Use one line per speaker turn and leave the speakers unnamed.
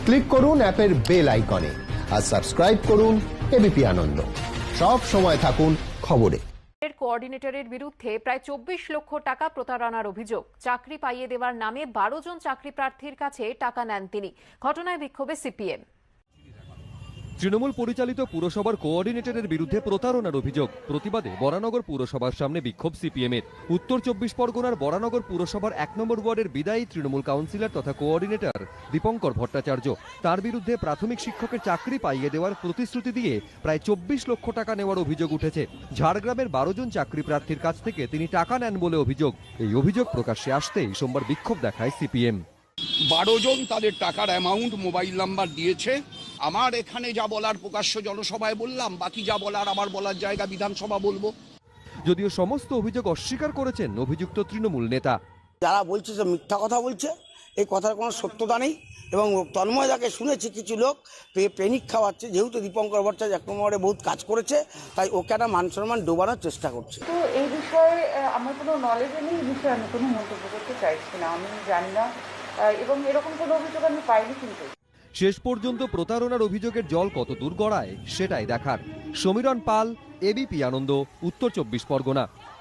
Click করুন অ্যাপের bell আইকনে আর সাবস্ক্রাইব করুন এবিপি আনন্দ। সব সময় থাকুন খবরে।
কোঅর্ডিনেটরের বিরুদ্ধে প্রায় 24 লক্ষ টাকা প্রতারণার অভিযোগ। চাকরি পাইয়ে দেওয়ার নামে 12 জন চাকরি প্রার্থীর কাছে টাকা নেন তিনি। ঘটনায় বিক্ষোভে সিপিএম।
তৃণমূল পরিচালিত পুরসভার কোঅর্ডিনেটরের বিরুদ্ধে প্রতারণার অভিযোগ। প্রতিবাদে বরানগর পুরসভার সামনে বিক্ষোভ সিপিএমের। উত্তর 24 পরগনার বরানগর পুরসভার 1 নম্বর ওয়ার্ডের বিদায়ী তৃণমূল কাউন্সিলর তথা কোঅর্ডিনেটর দীপঙ্কর ভট্টাচার্য, তার বিরুদ্ধে প্রাথমিক শিক্ষকের চাকরি পাইয়ে দেওয়ার প্রতিশ্রুতি দিয়ে প্রায় 24 লক্ষ টাকা নেওয়ার অভিযোগ উঠেছে। ঝাড়গ্রামের 12 জন চাকরি প্রার্থীর কাছ থেকে তিনি টাকা নেন বলে অভিযোগ। এই অভিযোগ প্রকাশ্যে আসতেই সোমবার বিক্ষোভ দেখায় সিপিএম।
12 জন তাদের টাকার অ্যামাউন্ট, মোবাইল নাম্বার দিয়েছে। আমার এখানে যা বলার প্রকাশ্য জনসভায় বললাম, বাকি যা বলার আমার বলার জায়গা বিধানসভা বলবো।
যদিও সমস্ত অভিযোগ অস্বীকার করেছেন অভিযুক্ত তৃণমূল নেতা।
যারা বলছে যে মিথ্যা কথা বলছে, এই কথার কোনো সত্যতা নেই। এবং তন্ময় দাকে শুনেছি কিছু লোক পেনিক খাওয়াচ্ছে, যেহেতু দীপঙ্কর ভট্টাচার্য 1 নম্বরে বহুত কাজ করেছে, তাই ওকে একটা মান সম্মান ডোবানোর চেষ্টা করছে।
তো এই বিষয়ে আমার কোনো নলেজ নেই, এই বিষয়ে আমি কোনো মন্তব্য করতে চাইছি না, আমি জানি না, এবং এরকম কোনো অভিযোগ আমি পাইনি। কিন্তু
শেষ পর্যন্ত প্রতারণার অভিযোগের জল কত দূর গড়ায় সেটাই দেখার। সমীরণ পাল, এবিপি আনন্দ, উত্তর 24 পরগনা।